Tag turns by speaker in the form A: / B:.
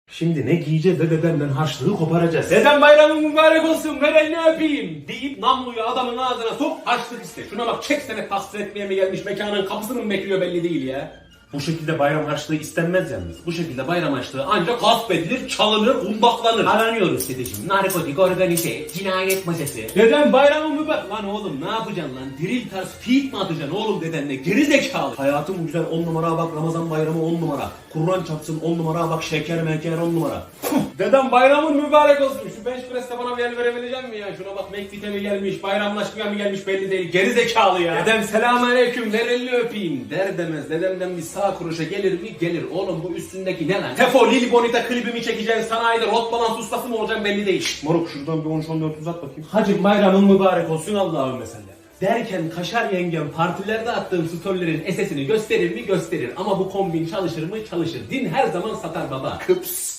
A: Şimdi ne giyeceğiz de dedemden harçlığı koparacağız.
B: Dedem bayramın mübarek olsun, ver elini öpeyim deyip namluyu adamın ağzına sok, harçlık iste. Şuna bak, çek sene tahsil etmeye mi gelmiş, mekanın kapısını mı bekliyor belli değil ya.
A: Bu şekilde bayram harçlığı istenmez yalnız.
B: Bu şekilde bayram harçlığı ancak gasp edilir, çalınır, kundaklanır.
A: Aranıyoruz dedeciğim.
B: Narkotik, organize, cinayet masası. Dedem bayramın mübarek... Lan oğlum ne yapacaksın lan? Drill tarz feed mi atacaksın oğlum dedenle? Geri zekalı.
A: Hayatım güzel 10 numara bak, Ramazan bayramı 10 numara. Kur'an çarpsın 10 numara bak, şeker meker 10 numara.
B: Dedem bayramın mübarek olsun. Şu bench press'te bana bir el verebilecek misin ya? Şuna bak, McFit'e mi gelmiş, bayramlaşmaya mı gelmiş belli değil. Geri zekalı ya. Dedem selamünaleyküm, ver elini öpeyim der demez. Dedemden bir sağ kuruşa gelir mi? Gelir. Oğlum bu üstündeki ne lan? Tefo, Lili Bonita klibimi çekeceksin, sanayide rot balans ustası mı olacaksın belli değil.
A: Moruk şuradan bir 13-14 uzat bakayım.
B: Hacım bayramın mübarek olsun Allah'ım mesela. Derken Kaşar yengem partilerde attığım storylerin esesini gösterir mi? Gösterir. Ama bu kombin çalışır mı? Çalışır. Din her zaman satar baba.
A: Kıps.